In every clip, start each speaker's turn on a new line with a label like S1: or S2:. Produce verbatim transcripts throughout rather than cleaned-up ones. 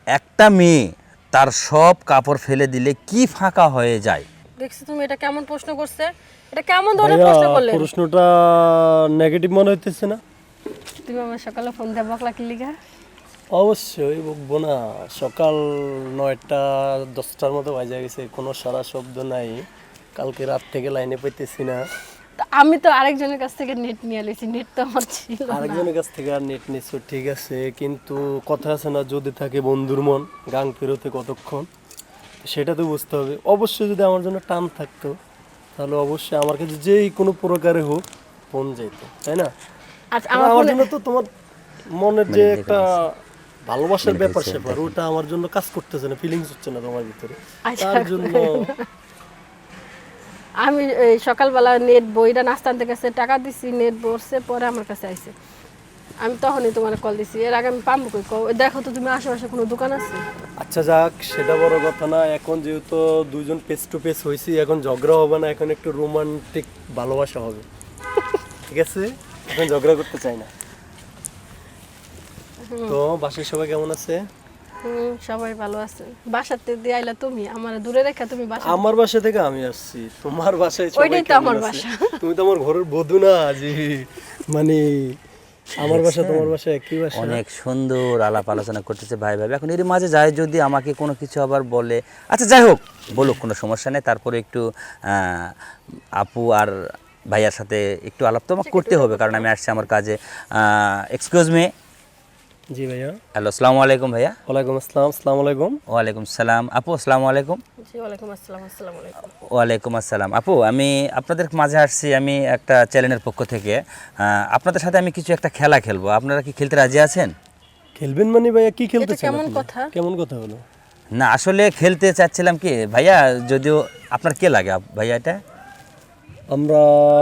S1: একটা মেয়ে তার সব কাপড় ফেলে দিলে কি ফাঁকা হয়ে যায়?
S2: দেখছি তুমি এটা কেমন প্রশ্ন করছে, এটা কেমন ধরনের প্রশ্ন করলে?
S3: প্রশ্নটা নেগেটিভ মনে হইতেছে না?
S2: তুমি আমার সকালে ফোন দিয়ে বকলা কি লিগা?
S3: অবশ্যই বকবো না। সকাল নয়টা দশটার মতো বাজে গেছে, কোনো সারা শব্দ নাই। কালকে রাত থেকে লাইনে পাইতেছি না।
S2: তা আমি তো আরেকজনের কাছ থেকে নেট নিয়ে এসেছি, নেট তো আমার ছিল না।
S3: আরেকজনের কাছ থেকে আর নেট নিচ্ছ, ঠিক আছে, কিন্তু কথা আছে না, যদি থাকে বন্ধুর মন গাং ফেরোতে কতক্ষণ, সেটা তো বুঝতে হবে। অবশ্যই যদি আমার জন্য টান থাকতো তাহলে অবশ্যই আমার কাছে যেই কোনো প্রকারে হোক ফোন যেত, তাই না?
S2: আচ্ছা
S3: আমার
S2: আমার
S3: জন্য তো তোমার মনের যে
S1: মানে
S3: একটা ভালোবাসার
S1: মানে
S3: ব্যাপার
S1: হচ্ছে
S3: স্যাপার, ওটা আমার জন্য কাজ করতেছে না, ফিলিংস হচ্ছে না তোমার ভিতরে,
S2: আচ্ছা,
S3: তার জন্য।
S2: আমি এই সকালবেলা নেট বইটা নাস্তা আনতে গেছে, টাকা দিছি, নেট বসছে, পরে আমার কাছে আইছে। আমি তখনই তোমার কল দিছি, এর আগে আমি পাম্বো কই কও, দেখো তো তুমি আশেপাশে কোনো দোকান আছে?
S3: আচ্ছা যাক, সেটা বড় কথা না। এখন যেহেতু দুজন ফেস টু ফেস হয়েছি, এখন ঝগড়া হবে না, এখন একটু রোমান্টিক ভালোবাসা হবে, ঠিক আছে? এখন ঝগড়া করতে চাই না। তো বাসায় সবাই কেমন আছে?
S2: হুম, সবাই ভালো আছে। বাসাতে দিয়ে আইলা তুমি, আমার দূরে রেখা তুমি বাসা।
S3: আমার বাসা থেকে আমি আসছি, তোমার বাসায় সবাই
S2: ওইটাই তো
S3: কেমন
S2: আমার
S3: আছে?
S2: বাসা।
S3: তুমি তো আমার ঘরের বধূ না, জি। মানে আমার বাসা তোমার বাসা একই বাসা।
S1: অনেক সুন্দর আলাপ আলোচনা করতেছে ভাই ভাই। এখন এর মাঝে যায় যদি আমাকে কোনো কিছু আবার বলে, আচ্ছা যাই হোক, বলুক, কোনো সমস্যা নেই। তারপরে একটু আহ, আপু আর ভাইয়ার সাথে একটু আলাপ তো আমাকে করতে হবে, কারণ আমি আসছি আমার কাজে। Excuse me.
S3: জি ভাইয়া।
S1: হ্যালো, আসসালামু আলাইকুম ভাইয়া।
S3: ওয়ালাইকুম আসসালাম। আসসালামু আলাইকুম।
S1: ওয়ালাইকুম সালাম। আপু আসসালামু আলাইকুম।
S2: জি ওয়ালাইকুম আসসালাম। আসসালামু আলাইকুম।
S1: ওয়ালাইকুম আসসালাম। আপু, আমি আপনাদের মাঝে আসছি, আমি একটা চ্যানেলের পক্ষ থেকে। আহ, আপনাদের সাথে আমি কিছু একটা খেলা খেলবো, আপনারা কি খেলতে রাজি আছেন?
S3: খেলবেন মানে ভাইয়া কি খেলতে
S2: এটা
S3: চান
S2: কেমন
S3: আপনি?
S2: কথা?
S3: কেমন কথা হলো?
S1: না, আসলে খেলতে চাচ্ছিলাম কি ভাইয়া, যদিও আপনার কে লাগে আপ- ভাইয়া এটা?
S3: আমরা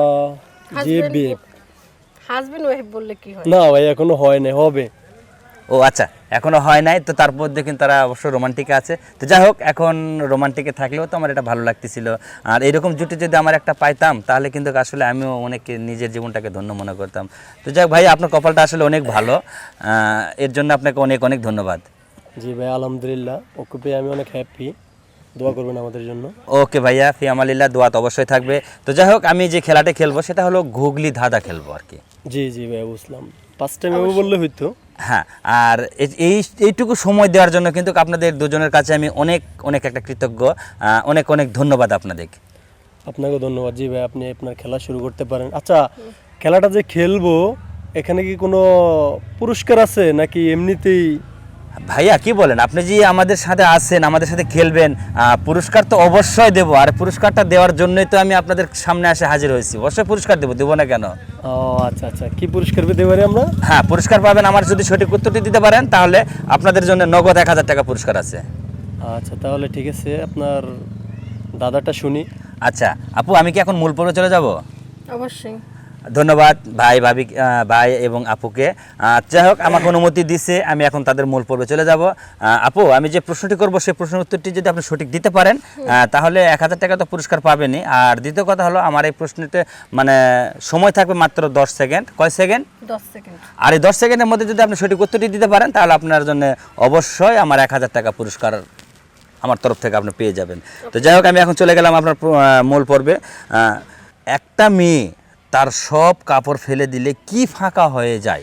S3: যে
S2: হাজবেন্ড
S3: বিয়ে
S2: হাজবেন্ড ওয়াইফ বললে কি হয়?
S3: না ভাই, এখনো হয় নাই, হবে।
S1: ও আচ্ছা, এখনো হয় নাই তো, তার মধ্যে কিন্তু তারা অবশ্য রোমান্টিকে আছে। তো যাই হোক, এখন রোমান্টিকে থাকলেও তো আমার এটা ভালো লাগতেছিল। আর এরকম জুটি যদি আমার একটা পাইতাম, তাহলে কিন্তু আসলে আমিও অনেক নিজের জীবনটাকে ধন্য মনে করতাম। তো যাই হোক ভাই, আপনার কপালটা আসলে অনেক ভালো, আহ, এর জন্য আপনাকে অনেক অনেক ধন্যবাদ।
S3: জি ভাই, আলহামদুলিল্লাহ, ওকে পেয়ে আমি অনেক হ্যাপি। দোয়া করবেন আমাদের জন্য।
S1: ওকে ভাইয়া, ফি আমালিল্লাহ, দোয়া তো অবশ্যই থাকবে। তো যাই হোক, আমি যে খেলাটা খেলবো সেটা হলো ঘুগলি ধাঁধা খেলবো আর কি।
S3: জি জি ভাই, বুঝলাম। ফার্স্ট টাইম এভাবে বললে হইতো।
S1: হ্যাঁ, আর এই- এই এইটুকু সময় দেওয়ার জন্য কিন্তু আপনাদের দুজনের কাছে আমি অনেক অনেক একটা কৃতজ্ঞ, আহ, অনেক অনেক ধন্যবাদ আপনাদের।
S3: আপনাকেও ধন্যবাদ। জি ভাই, আপনি আপনার খেলা শুরু করতে পারেন। আচ্ছা, খেলাটা যে খেলবো, এখানে কি কোনো পুরস্কার আছে নাকি এমনিতেই?
S1: ভাইয়া কি বলেন, আপনি যে আমাদের সাথে আছেন, আমাদের সাথে খেলবেন, আহ, পুরস্কার তো অবশ্যই দেবো। আর পুরস্কারটা দেওয়ার জন্যই তো আমি আপনাদের সামনে এসে হাজির হয়েছি। অবশ্যই পুরস্কার দেবো, দেবো না কেন?
S3: ও আচ্ছা আচ্ছা, কি পুরস্কার পেতে পারি আমরা?
S1: হ্যাঁ, পুরস্কার পাবেন। আমার যদি সঠিক উত্তরটি দিতে পারেন তাহলে আপনাদের জন্য নগদ এক হাজার টাকা পুরস্কার আছে।
S3: আচ্ছা তাহলে ঠিক আছে, আপনার দাদাটা শুনি।
S1: আচ্ছা আপু, আমি কি এখন মূল পর্বে চলে যাব?
S2: অবশ্যই।
S1: ধন্যবাদ ভাই ভাবি, আহ, ভাই এবং আপুকে। আহ, যাই হোক, আমাকে অনুমতি দিছে, আমি এখন তাদের মূল পর্বে চলে যাব। আহ, আপু, আমি যে প্রশ্নটি করব সেই প্রশ্নের উত্তরটি যদি আপনি সঠিক দিতে পারেন, আহ, তাহলে এক হাজার টাকা তো পুরস্কার পাবেনই। আর দ্বিতীয় কথা হলো, আমার এই প্রশ্নতে মানে সময় থাকবে মাত্র দশ সেকেন্ড। কয় সেকেন্ড?
S2: দশ সেকেন্ড।
S1: আর এই দশ সেকেন্ডের মধ্যে যদি আপনি সঠিক উত্তরটি দিতে পারেন, তাহলে আপনার জন্য অবশ্যই আমার এক হাজার টাকা পুরস্কার আমার তরফ থেকে আপনি পেয়ে যাবেন। তো যাই হোক, আমি এখন চলে গেলাম আপনার প্র- আহ, মূল পর্বে। আহ, একটা মেয়ে তার সব কাপড় ফেলে দিলে কি ফাঁকা হয়ে যায়?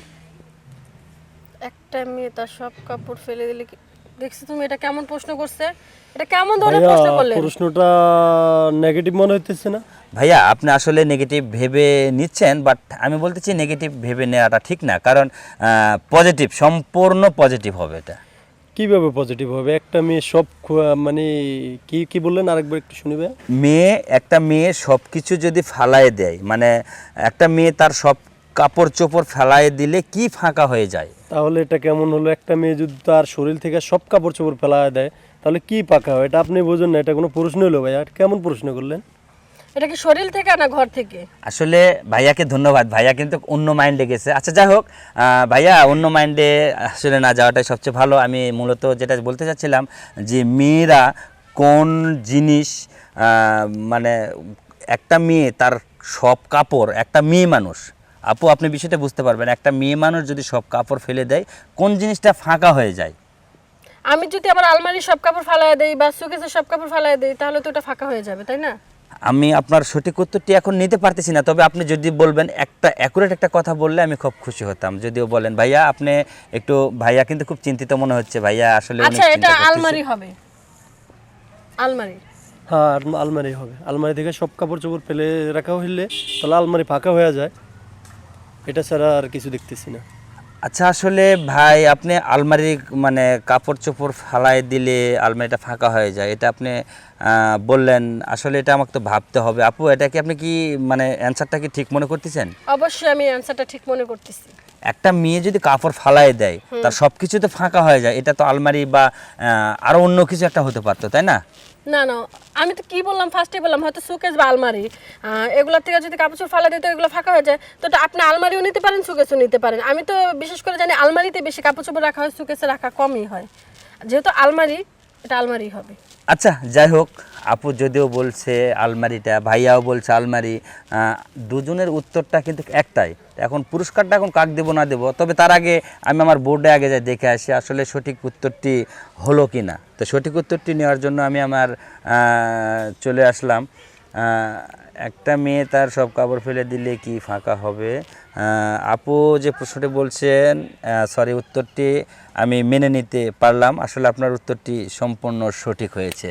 S2: একটা মেয়ে তার সব কাপড় ফেলে দিলে কি? দেখছি তুমি এটা কেমন প্রশ্ন করছে, এটা কেমন ধরনের
S3: ভাইয়া,
S2: প্রশ্ন করলে?
S3: প্রশ্নটা নেগেটিভ মনে হইতেছে না?
S1: ভাইয়া, আপনি আসলে নেগেটিভ ভেবে নিচ্ছেন, বাট আমি বলতে চাই নেগেটিভ ভেবে নেওয়াটা ঠিক না, কারণ পজিটিভ, সম্পূর্ণ পজিটিভ হবে এটা।
S3: কিভাবে পজিটিভ হবে? একটা মেয়ে সব খু- মানে কি কি বললেন, আরেকবার একটু শুনিবে?
S1: মেয়ে, একটা মেয়ে সব কিছু যদি ফালায় দেয়, মানে একটা মেয়ে তার সব কাপড় চোপড় ফেলায় দিলে কি ফাঁকা হয়ে যায়?
S3: তাহলে এটা কেমন হলো? একটা মেয়ে যদি তার শরীর থেকে সব কাপড় চোপড় ফেলা দেয়, তাহলে কি পাকা হয়? এটা আপনি বোঝেন না, এটা কোনো প্রশ্ন হলো ভাই? আর কেমন প্রশ্ন করলেন?
S2: এটা কি শরীর থেকে না ঘর থেকে?
S1: আসলে ভাইয়াকে ধন্যবাদ, ভাইয়া কিন্তু অন্য মাইন্ডে গেছে। আচ্ছা যাই হোক, আহ, ভাইয়া অন্য মাইন্ডে আসলে না যাওয়াটাই সবচেয়ে ভালো। আমি মূলত যেটা বলতে চাচ্ছিলাম, যে মেয়েরা কোন জিনিস, আহ, মানে একটা মেয়ে তার সব কাপড়, একটা মেয়ে মানুষ, আপু আপনি বিষয়টা বুঝতে পারবেন, একটা মেয়ে মানুষ যদি সব কাপড় ফেলে দেয়, কোন জিনিসটা ফাঁকা হয়ে যায়?
S2: আমি যদি আবার আলমারির সব কাপড় ফালায় দেই বা সুকেসের সব কাপড় ফালায় দেই তাহলে তো ওটা ফাঁকা হয়ে যাবে, তাই না?
S1: আমি আপনার সঠিক উত্তরটি এখন নিতে পারতেছি না, তবে আপনি যদি বলবেন একটা অ্যাকুরেট একটা কথা বললে আমি খুব খুশি হতাম। যদিও বলেন ভাইয়া, আপনি একটু, ভাইয়া কিন্তু খুব চিন্তিত মনে হচ্ছে, ভাইয়া আসলে অনেক
S2: আচ্ছা,
S1: চিন্তা
S2: এটা
S1: করতেছে।
S2: আলমারি হবে, আলমারি।
S3: হ্যাঁ আলম- আলমারি হবে। আলমারি থেকে সব কাপড় চোপড় ফেলে রাখা হইলে তাহলে আলমারি ফাঁকা হয়ে যায়, এটা ছাড়া আর কিছু দেখতেছি না।
S1: আচ্ছা, আসলে ভাই আপনি আলমারি মানে কাপড় চোপড় ফালাই দিলে আলমারিটা ফাঁকা হয়ে যায়, এটা আপনি আহ, বললেন। আসলে এটা আমাকে তো ভাবতে হবে। আপু, এটা কি আপনি কি মানে অ্যান্সারটা কি ঠিক মনে করতেছেন?
S2: অবশ্যই আমি অ্যানসারটা ঠিক মনে করতেছি।
S1: একটা মেয়ে যদি কাপড় ফালাই দেয় তার সব কিছু তো ফাঁকা হয়ে যায়, এটা তো আলমারি বা আহ, আরো অন্য কিছু একটা হতে পারতো, তাই না?
S2: না না, আমি তো কি বললাম, ফার্স্টে বললাম হয়তো সুকেস বা আলমারি, এগুলোর থেকে যদি কাপড় চোপড় ফালা দিতে এগুলো ফাঁকা হয়ে যায়, তো ওটা আপনি আলমারিও নিতে পারেন, সুকেসও নিতে পারেন। আমি তো বিশেষ করে জানি আলমারিতে বেশি কাপড় চোপড় রাখা হয়, সুকেসে রাখা কমই হয়। যেহেতু আলমারি, এটা আলমারি হবে।
S1: আচ্ছা, যাই হোক, আপু যদিও বলছে আলমারিটা, ভাইয়াও বলছে আলমারি, আহ, দুজনের উত্তরটা কিন্তু একটাই। এখন পুরস্কারটা এখন কাক দেবো না দেবো, তবে তার আগে আমি আমার বোর্ডে আগে যাই দেখে আসি আসলে সঠিক উত্তরটি হলো কি না। তো সঠিক উত্তরটি নেওয়ার জন্য আমি আমার আহ, চলে আসলাম। আহ, একটা মেয়ে তার সব কাপড় ফেলে দিলে কি ফাঁকা হবে? আহ, আপু যে প্রশ্নটি বলছেন, সরি, উত্তরটি আমি মেনে নিতে পারলাম। আসলে আপনার উত্তরটি সম্পূর্ণ সঠিক হয়েছে।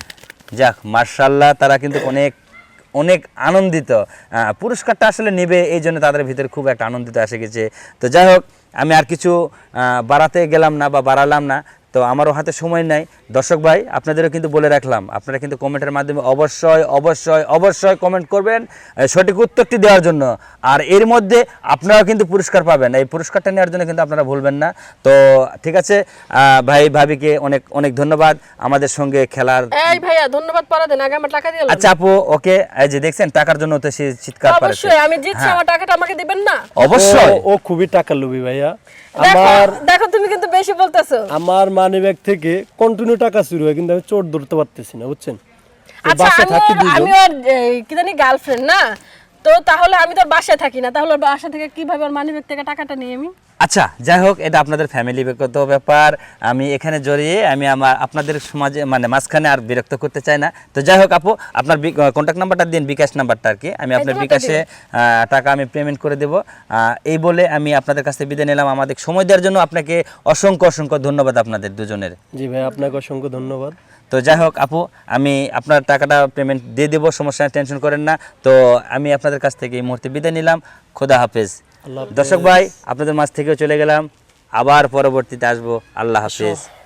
S1: যাক, মার্শাল্লাহ, তারা কিন্তু অনেক অনেক আনন্দিত। আহ, পুরস্কারটা আসলে নেবে এই জন্য তাদের ভিতরে খুব একটা আনন্দিত এসে গেছে। তো যাই হোক, আমি আর কিছু আহ, বাড়াতে গেলাম না বা বাড়ালাম না, তো আমারও হাতে সময় নাই। দর্শক ভাই, আপনাদেরও কিন্তু বলে রাখলাম, আপনারা কিন্তু কমেন্টের মাধ্যমে অবশ্যই অবশ্যই অবশ্যই কমেন্ট করবেন আহ, সঠিক উত্তরটি দেওয়ার জন্য। আর এর মধ্যে আপনারাও কিন্তু পুরস্কার পাবেন, এই পুরস্কারটা নেওয়ার জন্য কিন্তু আপনারা ভুলবেন না। তো ঠিক আছে, আহ, ভাই ভাবিকে অনেক অনেক ধন্যবাদ আমাদের সঙ্গে খেলার।
S2: এই ভাইয়া, ধন্যবাদ পড়া দেন, আগে আমার টাকা দিয়ে
S1: আচ্ছা আপু, ওকে, এই যে দেখছেন টাকার জন্য তো সে চিৎকার পারেছে।
S2: অবশ্যই আমি জিতছি, আমার টাকাটা আমাকে দিবেন না?
S1: অবশ্যই।
S3: ও- ও খুবই টাকার লোভী ভাইয়া।
S2: দেখো
S3: আমার
S2: দেখো, তুমি কিন্তু বেশি বলতেছো।
S3: আমার মানি ব্যাগ থেকে কন্টিনিউ টাকা চুরি হয়, কিন্তু আমি চোর ধরতে পারতেছি না, বুঝছেন? তো
S2: আচ্ছা,
S3: বাসায়
S2: আমি
S3: থাকি
S2: ওর-
S3: দুইজন।
S2: আমি ওর এই, কি জানি গার্লফ্রেন্ড না, তো তাহলে আমি তো ওর বাসায় থাকি না, তাহলে ওর বাসা থেকে কিভাবে ওর মানিব্যাগ থেকে টাকাটা নিয়ে আমি?
S1: আচ্ছা, যাই হোক, এটা আপনাদের ফ্যামিলিগত ব্যাপার, আমি এখানে জড়িয়ে আমি আমার আপনাদের সমাজে মানে মাঝখানে আর বিরক্ত করতে চাই না। তো যাই হোক আপু, আপনার কন্ট্যাক্ট নাম্বারটা দিন, বিকাশ নাম্বারটা আর কি, আমি আপনার
S2: তোমারটা
S1: বিকাশে আহ, টাকা আমি পেমেন্ট করে দেবো। আহ, এই বলে আমি আপনাদের কাছে বিদায় নিলাম। আমাদের সময় দেওয়ার জন্য আপনাকে অসংখ্য অসংখ্য ধন্যবাদ আপনাদের দুজনের।
S3: জি ভাই, আপনাকে অসংখ্য ধন্যবাদ।
S1: তো যাই হোক আপু, আমি আপনার টাকাটা পেমেন্ট দিয়ে দেবো, সমস্যা নেই, টেনশন করেন না। তো আমি আপনাদের কাছ থেকে এই মুহূর্তে বিদায় নিলাম। খোদা হাফেজ।
S3: আল্লাহ হাফেজ।
S1: দর্শক ভাই, আপনাদের মাঝ থেকেও চলে গেলাম, আবার পরবর্তীতে আসবো। আল্লাহ হাফেজ।